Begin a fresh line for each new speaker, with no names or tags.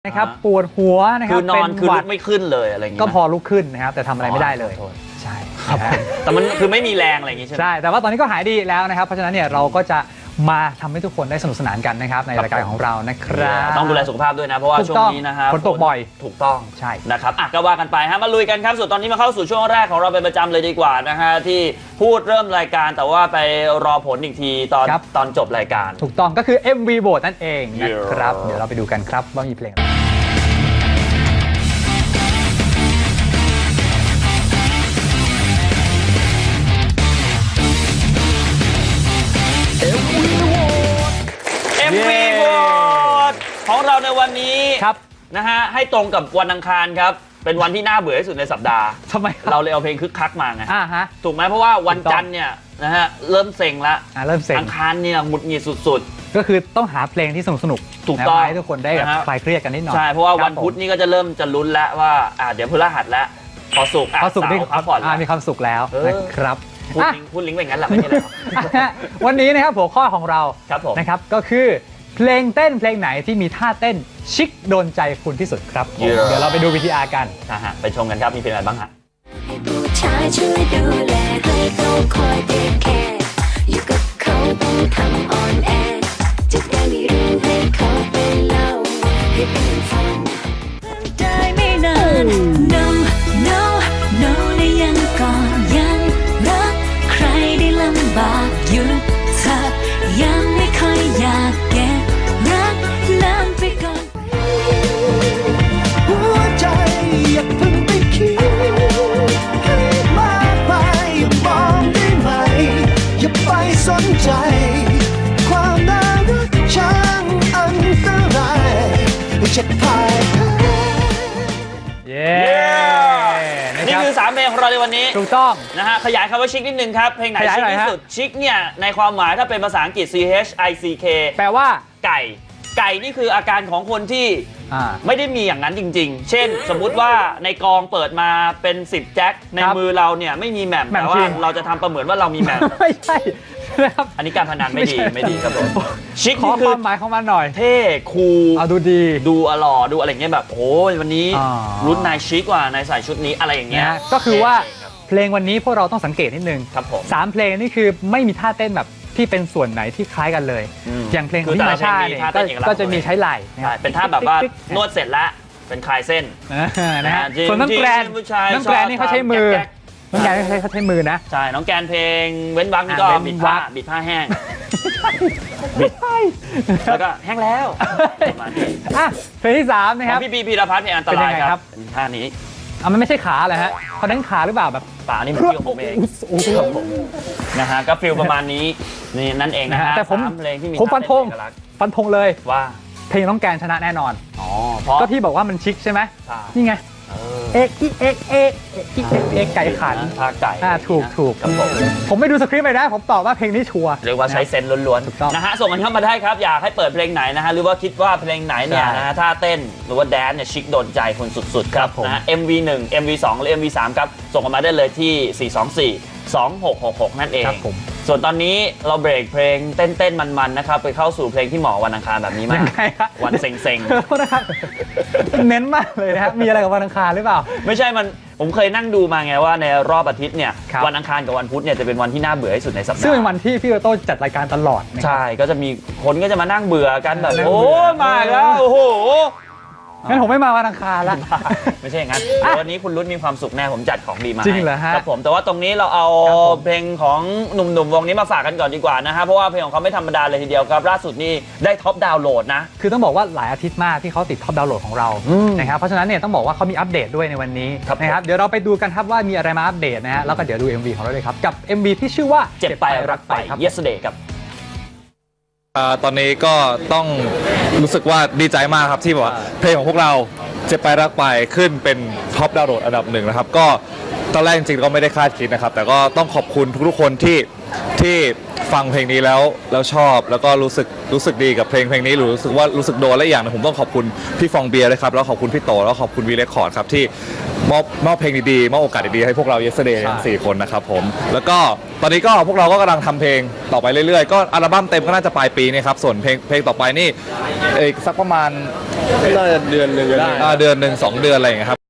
นะครับปวดหัวนะครับ
คือนอนคือลุกไม่ขึ้นเลยอะไรอย่างเงี้ย
ก็พอลุกขึ้นนะครับแต่ทำอะไรไม่ได้เลยใช่ครับ
แต่มันคือไม่มีแรงอะไรอย่างงี้ใช่ไหม
ใช่แต่ว่าตอนนี้ก็หายดีแล้วนะครับเพราะฉะนั้นเนี่ยเราก็จะมาทำให้ทุกคนได้สนุกสนานกันนะครับในรายการของเรานะครับ
ต้องดูแลสุขภาพด้วยนะเพราะว่าช่วงนี้นะครับ
ฝนตกบ่อย
ถูกต้อง
ใช่
นะครับก็ว่ากันไปฮะมาลุยกันครับส่วนตอนนี้มาเข้าสู่ช่วงแรกของเราเป็นประจำเลยดีกว่านะฮะที่พูดเริ่มรายการแต่ว่าไปรอผลอีกทีตอนจบรายการ
ถูกต้องก็คือ MV Vote นั่นเองนะครับเดี๋ยวเราไปดูกันครับว่ามีเพลง
MV Vote ของเราในวันนี้
ครับ
นะฮะให้ตรงกับวันอังคารครับเป็นวันที่น่าเบื่อที่สุดในสัปดาห์
ทำไม
เราเลยเอาเพลงคึกคักมาไง
ฮะ
ถูกไหมเพราะว่าวันจันทร์เนี่ยนะฮะเริ่มเซ็งละ
เริ่มเซ็ง
อังคารเนี่ยหงุดหงิดสุด
ๆก็คือต้องหาเพลงที่สนุกๆ
ถูกต้อง
ให้ทุกคนได้คลายเครียดกันนิดหน่อย
ใช่เพราะว่าวันพุธนี่ก็จะเริ่มจะลุ้นแล้วว่าเดี๋ยวพฤหัสแล้วพอศุกร์
นี่
พักผ่อน
มีความสุขแล้วนะครับ
พูดลิงก์ไปงั้นแหละไม่ใช่แล้ว
วันนี้นะครับหัวข้อของเรานะครับก็คือเพลงเต้นเพลงไหนที่มีท่าเต้นชิคโดนใจคุณที่สุดครับเดี๋ยวเราไปดู VTR กัน
ไปชมกันครับมีเพลงอะไรบ้างฮะ
ให้ผู้ชายช่วยดูแลให้เขาคอยเทคแคร์อยู่กับเขาต้องทำอ่อนแอจะได้ไม่รู้ให้เขาไปเล่าให้เป็นฟังได้ไม่นาน no no no และยังก่อนยังรักใครได้ลำบากอยู่เธอยังไม่ค่อยอยากแก้รักนานไปก่อน
หัวใจอย่าเพิ่งไปคิดให้มากไปอย่ามองได้ไหมอย่าไปสนใจความน่ารักช่างอันตรายจะพ่ายแพ้
นี่คือ3เพลงของเราในวันนี้
ถูกต้อง
นะฮะขยายคำว่าชิคนิดนึงครับเพลงไหนชิคที่สุดชิคเนี่ยในความหมายถ้าเป็นภาษาอังกฤษ CHICK
แปลว่า
ไก่นี่คืออาการของคนที่ไม่ได้มีอย่างนั้นจริงๆเช่นสมมุติว่าในกองเปิดมาเป็น10แจ็คในมือเราเนี่ยไม่มีแหม่มแต่ว่าเราจะทำประเหมือนว่าเรามีแหม่ม
ไม่ใช่นะครับ
อันนี้การพนันไม่ดีครับผมชิค
ขอความหมายของมันหน่อย
เท่คูล
ดูดี
ดูอล่อดูอะไรเงี้ยแบบโอ้ยวันนี้รุ่นนายชิคกว่านายใส่ชุดนี้อะไรอย่างเงี้ย
ก็คือว่าเพลงวันนี้พวกเราต้องสังเกตนิดนึง
ครับผม
3เพลงนี่คือไม่มีท่าเต้นแบบที่เป็นส่วนไหนที่คล้ายกันเลยอย่างเพลงของพี่มาชาเนี่ยก็จะมีใช้ไหล่
เป็นท่าแบบว่านวดเสร็จแล้วเป็นคลายเส้น
นะฮะส่วนน้องแกรนนี่เขาใช้มือน้องแกรนเขาใช้มือนะ
ใช่น้องแกรนเพลงเว้นวรรคนี่ก็บิดผ้าแห้งแล้วก็แห้งแล้ว
เพลงที่3นะครับ
พี่พีรพัฒน์เพลงอันตรายครับท่านี้
มันไม่ใช่ขาเหรอฮะเขาเน้นขาหรือเปล่าแบบ
ป่านี่มันเกี่ยวผมเองนะฮะก็ฟิลประมาณนี้นี่นั่นเองนะฮะ
แต่ผมฟันธงเลย
ว่า
เพลงน้องแกนชนะแน่นอน
เพราะ
ก็ที่บอกว่ามันชิคใช่ไหมนี่ไงเอกไก่ขัน
ท่าไก่
ถูกผมไม่ดูสคริปต์เลยนะผมตอบว่าเพลงนี้ชัวร์
เรียกว่าใช้เซนล้วนๆนะฮะส่งกันเข้ามาได้ครับอยากให้เปิดเพลงไหนนะฮะหรือว่าคิดว่าเพลงไหนเนี่ยนะฮะท่าเต้นหรือว่าแดนเนี่ยชิคโดนใจคนสุดๆครับนะฮะ MV1 MV2 หรือ MV3 ครับส่งกันมาได้เลยที่4242666นั่นเองส่วนตอนนี้เราเบรกเพลงเต้นๆมันๆนะครับไปเข้าสู่เพลงที่เหมาะวันอังคารแบบนี้มากวันเซ็ง
ๆนะครับเน้นมากเลยนะครับมีอะไรกับวันอังคารหรือเปล่า
ไม่ใช่ผมเคยนั่งดูมาไงว่าในรอบอาทิตย์เนี่ยวันอังคารกับวันพุธเนี่ยจะเป็นวันที่น่าเบื่อที่สุดในสัปดาห์
ซึ่งเป็นวันที่พี่โต้จัดรายการตลอด
ใช่ก็จะมีคนก็จะมานั่งเบื่อกันแบบโอ้มาแล้วโอ้โห
งั้นผมไม่มาวันอังคารละ
ไม่ใช่อย่างนั้นวันนี้คุณรุ่นมีความสุขแน่ผมจัดของดีมา
จริงเหรอฮะ
ครับผมแต่ว่าตรงนี้เราเอาเพลงของหนุ่มๆวงนี้มาฝากกันก่อนดีกว่านะฮะเพราะว่าเพลงของเขาไม่ธรรมดาเลยทีเดียวครับล่าสุดนี่ได้ท็อปดาวน์โหลดนะ
คือต้องบอกว่าหลายอาทิตย์มากที่เขาติดท็อปดาวน์โหลดของเรานะครับเพราะฉะนั้นเนี่ยต้องบอกว่าเขามีอัปเดตด้วยในวันนี้นะครับเดี๋ยวเราไปดูกันครับว่ามีอะไรมาอัปเดตนะฮะแล้วก็เดี๋ยวดู MV ของเราเลยครับกับ MV ที่ชื่อว่า
เจ็บไปรักไป Yesterday ครับ
ตอนนี้ก็ต้องรู้สึกว่าดีใจมากครับที่แบบว่าเพลงของพวกเราเจ็บไปรักไปขึ้นเป็นท็อปดาวน์โหลดอันดับหนึ่งนะครับก็ตอนแรกจริงๆก็ไม่ได้คาดคิดนะครับแต่ก็ต้องขอบคุณทุกๆคนที่ฟังเพลงนี้แล้วชอบแล้วก็รู้สึกดีกับเพลงนี้หรือรู้สึกโดนและอย่างนึงผมต้องขอบคุณพี่ฟองเบียร์เลยครับแล้วขอบคุณพี่โตแล้วขอบคุณวีเรคคอร์ดครับที่มอบเพลงดีๆมอบโอกาสดีๆให้พวกเรา Yesterday ทั้ง4คนนะครับผมแล้วก็ตอนนี้ก็พวกเราก็กำลังทำเพลงต่อไปเรื่อยๆก็อัลบั้มเต็มก็น่าจะปลายปีนี้ครับส่วนเพลงต่อไปนี่อีกสักประมาณ
น่าจะเดือนหนึ่งก็ได้
เดือนหนึ่ง2 เดือนอะไรอย่างเงี้ยครับ